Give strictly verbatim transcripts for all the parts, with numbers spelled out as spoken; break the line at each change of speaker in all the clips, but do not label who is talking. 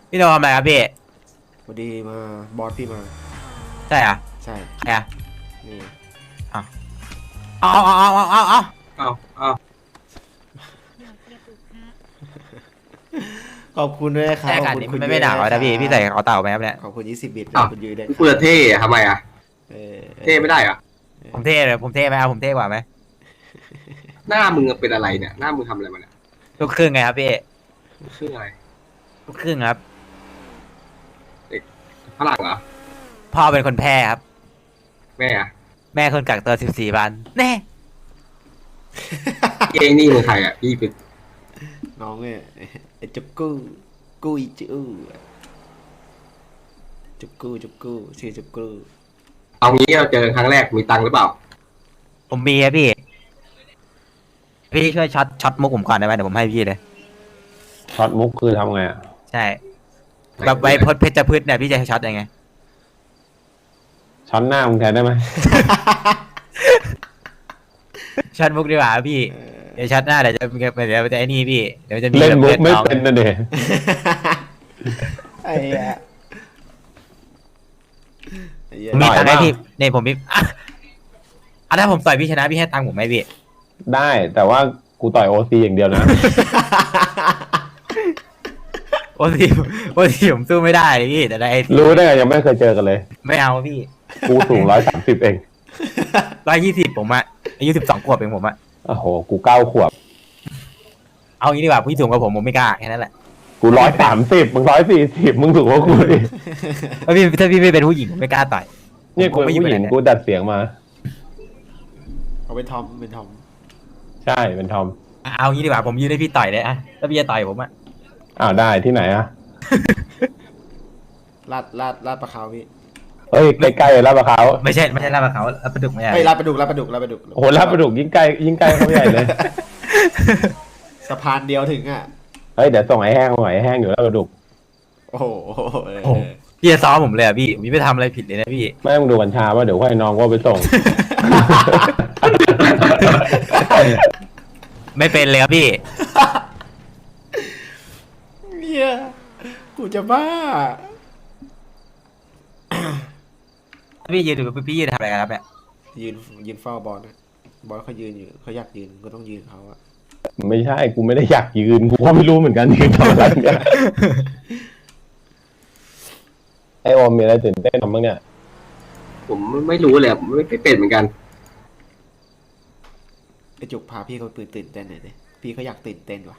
พี่โดนทำอะไรครับพี่
พอดีมาบอสพี่มา
ใช่เหรอ
ใช่
ใครอ่ะ
นี่
อ้าวเอาเอาเอาเอาเอาเอา
อ้าวอ้าว
ขอบคุณด้วยครั
ใช่
บขอบ
อากาศนี้มัน
คุณคุณ
ไม่หนาวนะพี่พี่ใส่กระเป๋าเต่าไหมครับเนี่ย
ขอบคุณยี่สิบบิต
อ้าว
คุณยืนได้
กูจะเท่อะทำไมอ่ะ
เออ
เท่ไม่ได้เหรอ่ะ
ผมเท่เลยผมเท่ไหมเอาผมเท่กว่าไหม
หน้ามึงเป็นอะไรเนี่ยหน้ามึงทำอะไรมาเนี่ย
ลูกครึ่งไงครับพี่
ชื่ออะไร
ลูกครึ่งครับ
เด็กฝรั่งเหรอ
พ่อเป็นคนแพร่ครับ
แม่อะ
แม่คนกักตัวสิบสี่วันแน่
เองนี่มึงใครอ่ะพี่เป็น
น้องเนี่ยไอ้จุกกู้กู้อีจู้จุกกู้จุกกู้ชื่อจุกกู้
เอางี้เราเจอครั้งแรกมีตังค์หรือเปล่า
ผมมีครับพี่พี่ช่วยช็อตช็อตมุกผมก่อนได้ไหมเดี๋ยวผมให้พี่เลย
ช็อตมุกคือทำไงอ่ะ
ใช่แบบไวพจน์เพชรพืชเนี่ยพี่จะช็อตยังไง
ช็อตหน้ามึงแทนได้ไหม
ช็อตมุกดีกว่าพี่เดี๋ยวช็อตหน้าเดี๋ยวจะเดี๋ยวจะไอ้นี่พี่เดี๋ยวจะมี
เล่นมุกไม่
น้อง
เป็นนะเด็
ไอ้เหี้ยไอ้เหี้ย
มีตังค์ให้พี่เนี่ยผมมีอ่ะอ่ะถ้าผมต่อยพี่ชนะพี่ให้ตังค์ผมไหมพี่
ได้แต่ว่ากูต่อยโอซีอย่างเดียวนะ
โอ้ทีโอ้ทีผมสู้ไม่ได้เลยพี่แต่ได้
รู้ได้ไงยังไม่เคยเจอกันเลย
ไม่เอาพี่
กูสูงร้อยสามสิบเอง
ร้อยยี่สิบผมอะอายุสิบสองขวบเองผมอะ
โอ้โหกูเก้าขวบ
เอางี้ดีกว่าพี่สูงกว่าผมผมไม่กล้าแค่นั้นแหละ
กูร้อยสามสิบมึงร้อยสี่สิบมึงสูงกว่ากูดิ
ถ้าพี่ถ้าพี่ไม่เป็นผู้หญิงผมไม่กล้าต่อย
เนี่ยกูเป็นผู้หญิงกูดัดเสียงมา
เอาเป็นทอมเป็นทอม
ใช่เป็นทอม
เอางี้ดีกว่าผมยืนให้พี่ต่อยเลยอะถ้าพี่จะต่อยผมอะ
อ้าวได้ที่ไหนอ่ะ
ลาดลาดลาดปลาขาวพี่
เฮ้ยใกล้ๆลาดประเขา
ไม่ใช่ไม่ใช่ลาบเขาลาบประดุกไม่ใช่
ไอ้ยลาดปลาดุกลาดปลาดุกลาดปลาดุก
โอ้โหลาดประดุกยิ่งใกล้ยิ่งใกล้เข้าไปใหญ่เลย
สะพานเดียวถึงอ่ะ
เฮ้ยเดี๋ยวส่งไอ้แห้งมาหน่อยไอ้แห้งอยู่ลาดประดุก
โอ้โหเออ
โอ้พี่จะซ้อมผมเลยอะพี่ผมไม่ทำอะไรผิดเลยนะพี่
ไม่ต้องดูกัญชาว่าเดี๋ยวให้น้องว่าไปส่ง
ไม่เป็นเลยครับพี่
เนี่ยกูจะบ้า
พี่ยืนดูพี่ยืนทำอะไรกันครับเนี่ย
ยืนยืนเฝ้าบอลนะบอลเขายืนอยู่เขาอยากยืนก็ต้องยืนเขาอะ
ไม่ใช่กูไม่ได้อยากยืนกูก็ไม่รู้เหมือนกันยืนทำอะไรเนี่ยไอโอมมีอะไรตื่นเต้นทำบ้างเนี่ย
ผมไม่รู้เลยผมไม่เป็นเหมือนกัน
ไอจุกพาพี่เขาตื่นตื่นเต้นหน่อยดิพี่เขาอยากตื่นเต้นว่ะ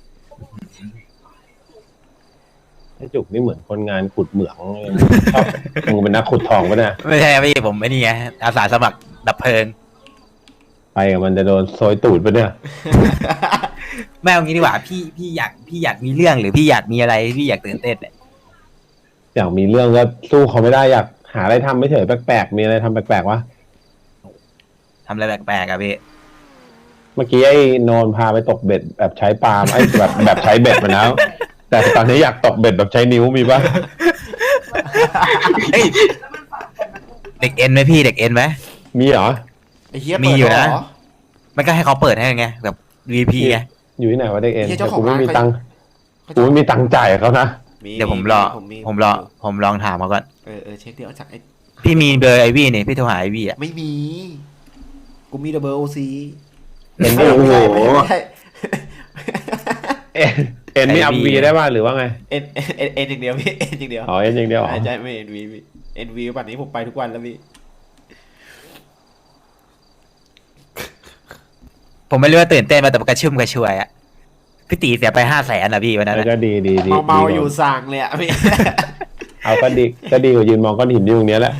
ไอจุกนี่เหมือนคนงานขุดเหมืองชอบมึงเป็นนักขุดทองปะเนี่ย
ไม่ใช่พี่ผมไม่นี่ไงอาสาสมัครดับเพลิง
ไปกับมันจะโดนโซยตูดปะเนี่ย
ไม่เอางี้ดีกว่าพี่พี่อยากพี่อยากมีเรื่องหรือพี่อยากมีอะไรพี่อยากตื่นเต้นเนี่ย
อยากมีเรื่องก็สู้เขาไม่ได้อยากหาอะไรทำไม่เฉยแปลกๆมีอะไรทำแปลกๆวะ
ทำอะไรแปลกๆอะพี่
เมื่อกี้ไอ้โนนพาไปตกเบ็ดแบบใช้ปาล์มไอ้แบบแบบใช้เบ็ดมาแล้วแต่ตอนนี้อยากตกเบ็ดแบบใช้นิ้วมีปะ
เฮ้ยเด็กเอ็นไหมพี่เด็กเอ็นไหม
มีเหรอ
ไอเฮีย
มี
เปิด
อยู่
เหร
นะ
อ
มันก็ให้เขาเปิดให้ไงแบบ วี พี ไง
อยู่ที่ไหนวะเด็กเอ็น
เหี้ย
แต่
เจ้าของ
กูไม่มี
ร้าน
ตังค์
เขา
กูไม่มีตังค์จ่ายเขานะ
เดี๋ยวผมรอ
ผมมี
ผมรอผมลองถามเขาก่อน
เออเออเช็คเดี๋ยวจากไอ
พี่มีเบอร์ไอวี่นี่พี่โทรหาไอวี่อะ
ไม่มี กูมีแต่เบอร์โอซี
เอ็น
ไม่
นี่โอ้โห
ได้
เอ็นเอ็นนี่อัพวีได้ป่ะหรือว่าไง
เอ็นเอ็นเอ็นเอ็นอย่างเดียวพี่เอ็นอย่างเดียว
อ๋อเอ็นอย่างเดียวเหรอ
ใช่ไม่เอ็นวีพี่เอ็นวีป่านนี้ผมไปทุกวันแล้วพี่
ผมไม่รู้ว่าตื่นเต้นมาแต่กระชุ่มกระชวยอะพี่ตีเสียไปห้าแสนนะพี่วันนั้น
แล้ว
อะ
ก็ดีดีดี
เมาเมา
ดี
อยู่สั่งเลยอะพี่
เอาก็ดีก็ดีกว่ายืนมองก้อนหินอยู่ตรงเนี้ยแหละ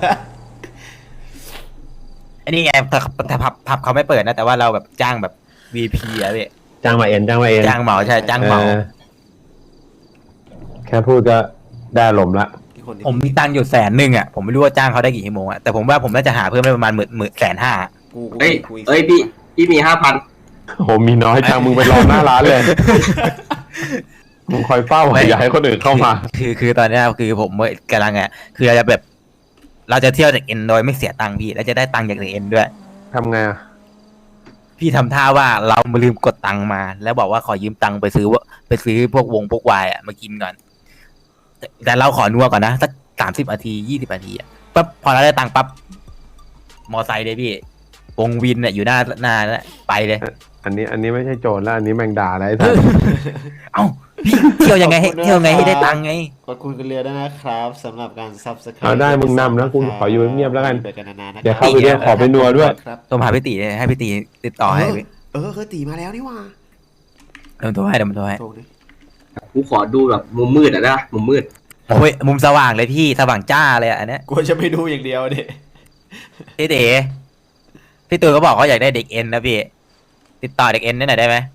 อันนี้ไงแต่แต่ผับผับเขาไม่เปิดนะ แต่ว่าเราแบบจ้างแบบ วี พี อะพี่
จ้างมาเอ็นจ้างมาเอ็น
จ้างเหมาใช่จ้างเหมา
ออแค่พูดก็ได้ลมณ์ละ
ผมมีตังค์อยู่แสนหนึ่งอะผมไม่รู้ว่าจ้างเขาได้กี่ชั่วโมงอะแต่ผมว่าผมน่าจะหาเพิ่มได้ประมาณหมื่นหมื่นแสนห้า
กูกู
เอ้ย
คุย
เอ้ยพี่พี่มีห้าพัน
โหมีน้อยจังมึงไปรอหน้าร้านเลยมึงคอยเฝ้าอย่าให้คนอื่นเข้ามา
คือคือตอนเนี้ยคือผมกำลังอ่ะคือเราจะแบบ เราจะเที่ยวจากเอ็นโดยไม่เสียตังค์พี่แล้วจะได้ตังค์จากเอ็นด้วย
ทำไงอ่ะ
พี่ทำท่าว่าเรามาลืมกดตังค์มา แล้วบอกว่าขอยืมตังค์ไปซื้อว่าไปซื้อพวกวงพวกวายอ่ะมากินก่อนแต่เราขอนัวก่อนนะสักสามสิบนาทียี่สิบนาทีอะปั๊บพอเราได้ตังค์ปั๊บมอไซค์เลยพี่วงวินเนี่ยอยู่หน้าหน้านะไปเลย
อันนี้อันนี้ไม่ใช่โจรแล้วอันนี้แมงดาอะไรท่าน
เอ้าพี่เที่ยวยังไงให้เที่ยวไงให้ได้ตังค์ไง
ขอบคุณคุณเรือด้วยนะครับสำหรับการซับสไคร
เอาได้มึงนำนะกูขออยู่เงียบๆแล้วกัน
เยวกันนานๆนะ
เดี๋ยวเข้าไปด้วยขอไปนัวด้วย
ครับ
โทรหาพี่ตีเลยให้พี่ตีติดต่อให้พี่
เออเคยตีมาแล้วนี่หว่า
เดี๋ยวผมโทรให้เดี๋ยวผมโทรให้
โทรดิ
กูขอดูแบบมุมมืดอ่ะนะมุมมืด
โอ้ยมุมสว่างเลยพี่สว่างจ้าเลยอะอันเนี้ย
กูจะไม่ดูอย่างเดียวดิ
พี่เด๋พี่ตูนก็บอกเขาอยากได้เด็กเอ็นนะพี่ติดต่อเด็กเอ็นได้หน่อยได้ไหม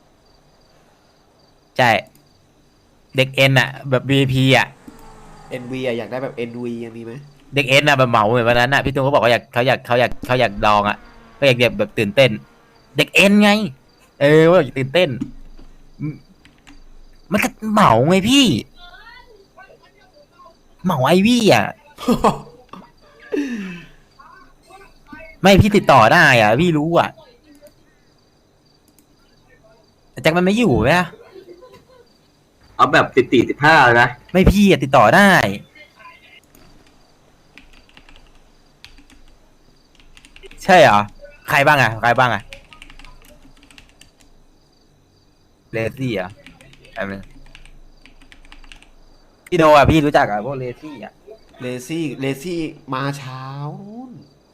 ใช่เด็กเอ็นอะแบบ วี ไอ พี อะ
เอ็น วี อะอยากได้แบบ เอ็น วี ยังมีไหม
เด็กเอ็นอะแบบเหมาเหมือนวันนั้นอะพี่ตูนก็บอกว่าอยากเขาอยากเขาอยากเขาอยากลองอะเขาอยากแบบตื่นเต้น เด็กเอ็นไง เออว่าอยากตื่นเต้นอืมมันก็เหมาไงพี่ เหมาไอวี่อะ ไม่พี่ติดต่อได้อ่ะ พี่รู้อ่ะแต่แจ็คมันไม่อยู่ไหมอะ
เอาแบบติดติดสิบห้านะ
ไม่พี่อะติดต่อได้ ใช่เหรอ ใครบ้างอ่ะ ใครบ้างอ่ะเลซี่อ่ะแบบนึงพี่โดอ่ะ พี่รู้จักอ่ะพวกเลซี่อ่ะ
เลซี่เลซี่มาเช้านู่น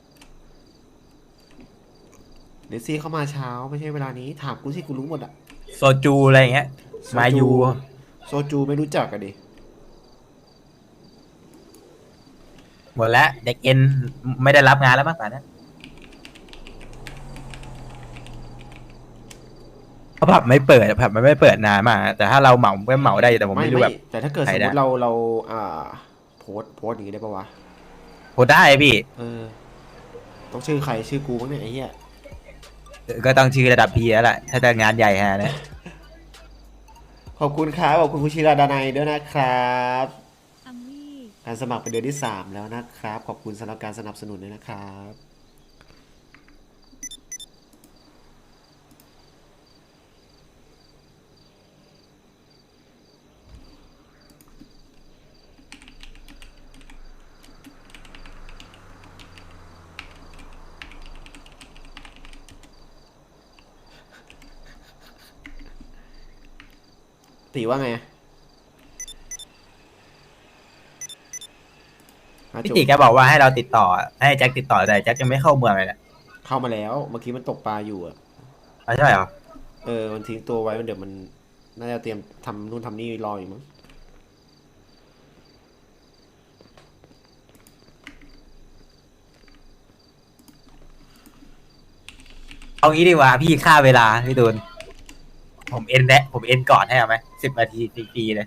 เลซี่เข้ามาเช้าไม่ใช่เวลานี้ถามกูสิกูรู้หมดอะ
โซจูอะไรอย่างเงี้ย มายู
โซจูไม่รู้จักกันดิ
หมดแล้ว เด็กเอ็นไม่ได้รับงานแล้วมั้งป่านนี้เพราะผับไม่เปิดผับมันไม่เปิดนานมากแต่ถ้าเราเหมาก็เหมาได้แต่ผม
ไม่
ไม่รู้
ไม่
แบบ
แต่ถ้าเกิด
ใค
ส
ร
ม
ได้
มติเราเราอ่าโพสต์โพสต์อย่างนี้ได้ปะวะ
โหได้พี่
เออต้องชื่อใครชื่อกูมั้งเนี่ยไอ้เหี้ย
ก็ต้องชื่อระดับพีแล้วแหละถ้าจะงานใหญ่ฮะนะ
ขอบคุณครับขอบคุณคุณชิราดานัยด้วยนะครับ
อัมวี่
การสมัครเป็นเดือนที่สามแล้วนะครับ ขอบคุณสำหรับการสนับสนุนด้วยนะครับตีว่าไงอ่ะ
พี่
จุ๊บ
ติแกบอกว่าให้เราติดต่อให้แจ็คติดต่อแต่แจ็คยังไม่เข้าเมืองเลยนะ
เข้ามาแล้วเมื่อกี้มันตกปลาอยู่อะ
อ๋อใช่เหรอ
เออมันทิ้งตัวไว้มันเดี๋ยวมันน่าจะเตรียมทำนู่นทำนี่รออยู่มั้ง
เอางี้ดีกว่าพี่ค่าเวลาพี่ตูนผมเอ็นแนะผมเอ็นก่อนให้เอาไหมสิบนาทีฟรีๆเลย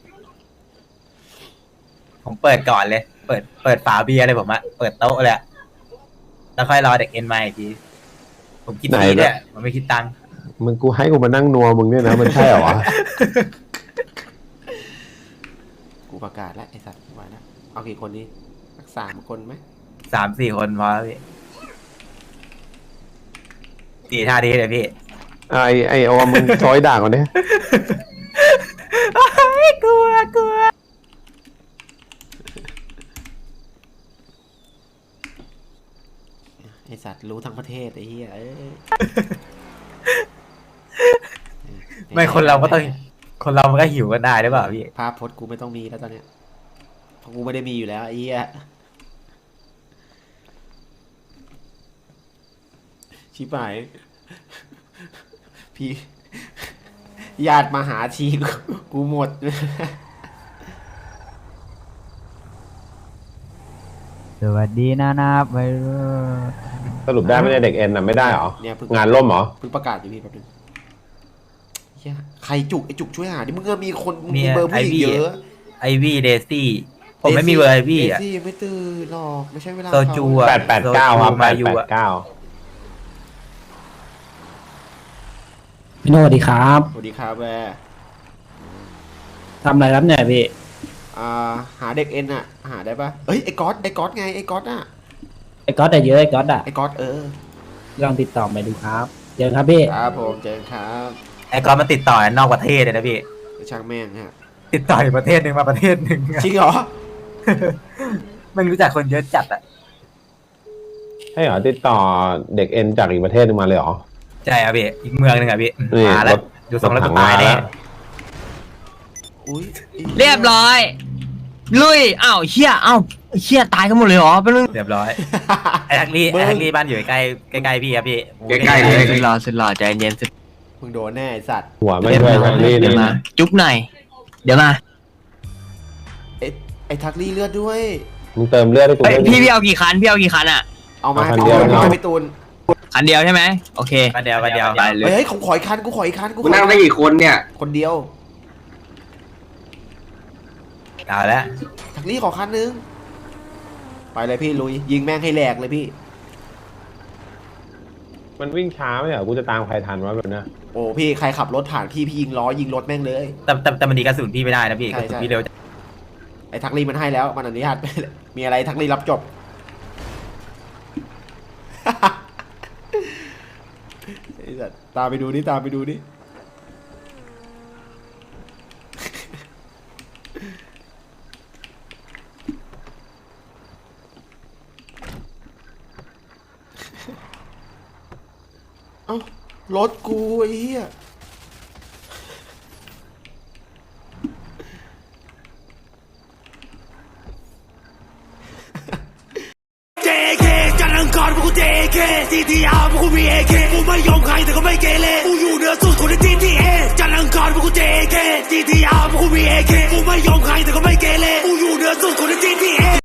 ผมเปิดก่อนเลย เปิดเปิดฝาเบียร์เลยผมอะเปิดโต๊ะเลยอะแล้วค่อยรอเด็กเอ็นมาอีกทีผมคิดฟรีเนี่ยผมไม่คิดตังค์
มึงกูให้กูมานั่งนัวมึงเนี่ยนะมันใช่เหรอวะ
กูประกาศแล้วไอ้สัตว์ไว้แล้วเอากี่คนดีสักสามคนไหม
สามสี่คนพอแล้วพี่สี่ท่าดีเลยพี่
ไอไอโอมึงซอยด่าก่อนเนี่ย
ไม่กลัวกลัว
ไอ้สัตว์รู้ทั้งประเทศไอ้เหี้ยเอ้ย
ไม่คนเราก็ต้อง คนเรามันก็หิวกันได้หรือเปล่าพี่
ภาพพจน์กูไม่ต้องมีแล้วตอนเนี้ยเพราะกูไม่ได้มีอยู่แล้วไอ้เหี้ยชิบหายพี่ญาติมาหาทีกูกูหมด
สวัสดีนะนะไปเรื่อย
สรุปได้ไม่ได้เด็กเอ็นอ่ะไม่ได้เหรอ
เนี่ยเพิ่ง
งานล่มเหรอ
เพิ่งประกาศอยู่พี่แป๊บนึงเหี้ยใครจุกไอ้จุกช่วยหาดิมึงก็มีคนมึง
มี
มีเบอร์ผู้หญิง
ไอวี่
เยอะ
ไอวี่เดซี่ ผมไม่มีเบอร์ไอวี่
เด
อ่ะ
ซี่ยังไม่ตื่นหรอกไม่ใช่เวลา
โซจูอะ
แปดแปดเก้าครับแป
มา
ด
อยู่
แป
อะ
ดเก้า
พี่โนสวัสดีครับ
สวัสดีครับแวร์
ทำอะไรครับเนี่ยพี่
อ่าหาเด็กเอ็นอะหาได้ปะเอ้ยไอ้ก๊อตไอ้ก๊อตไงไอ้ก๊อตอะ
ไอ้ก๊อตแต่เยอะไอ้ก๊อตอ่ะ
ไอ้ก๊อตเออ
ลองติดต่อไปดูครับเจอครับพี่
ครับผมเจอกันครับ
ไอ้กอนมันติดต่อนอกประเทศเลยนะพี่
ช่างแม่งฮะ
ติดต่ออยู่ประเทศหนึ่งมาประเทศหนึ่ง
จริงเหรอ
มันรู้จักคนเยอะจัดอ่ะ
ให้เหรอติดต่อเด็กเอ็นจากอีกประเทศหนึงมาเลยเหรอ
ใช่ครับพี่อีกเมืองหนึ่งอ่ะพี่
นี่
มาแล้ว
รถ
ดูทรงแล้วกูตายแน่
อุ้ย
เรียบร้อย ลุยอ้าวเชี่ยอ้าวเชี่ยตายกันหมดเลยเหรอเป็นเรื่อง
เรียบร้อยไอ้ทักลี่ไอ้ทักลี่บ้านอยู่ใกล้ใกล้ๆพี่ครับพี่
ใกล้ๆเลย
สุดหล่อสุดหล่อใจเย็นสุด
มึงโดนแน่ไอ้สัตว์
หัวไม่ด้วยทักลี่
เดี๋
นี่
ยวมา จุ๊บหน่อย เดี๋ยวมา
ไอ้ไอ้ทักลี่เลือดด้วย
มึงเติมเลือดให้กู
เฮ้ย
ด้วย
พี่พี่เอากี่คันพี่เอากี่คันอ่ะ
เอามา
เอาคัน
เอา
เดียว
มา
เนาะ
ให้พี่ตูน
คันเดียวใช่ไหมโอเค
กันเดียวกันเดียว
ไปเลย
เฮ้ยผมขออีกคันกูขออีกคันกู
มึ
ข
ง
อ
นั่งได้กี่คนเนี่ย
คนเดียว
เอาแล้ว
ทักลี่ขอคันนึงไปเลยพี่ลุยยิงแม่งให้แหลกเลยพี่
มันวิ่งช้าไหมเหรอกูจะตามใครทันวะแบบเนี้ย
โอ้พี่ใครขับรถผ่านพี่พี่ยิงล้อยิงรถแม่งเลย
แต่แต่แต่มันดีกระสุนพี่ไม่ได้นะพี่
ใช่
กระสุน
ใช่
พี่เร็วจัด
ไอ้ทักลี่มันให้แล้วมันอนุญาต มีอะไรทักลี่รับจบ ไอ้สัตว์ตามไปดูนี่ตามไปดูนี่ เอ้ารถกูไอ้เหี้ย
เจ เค จันทร์อังคารพวกกู เจ เค ซี ที อาร์ พวกกู มี เอ เค กูไม่ยอมใครแต่ก็ไม่เกเรกูอยู่เหนือสุดคนใน จี ที เอ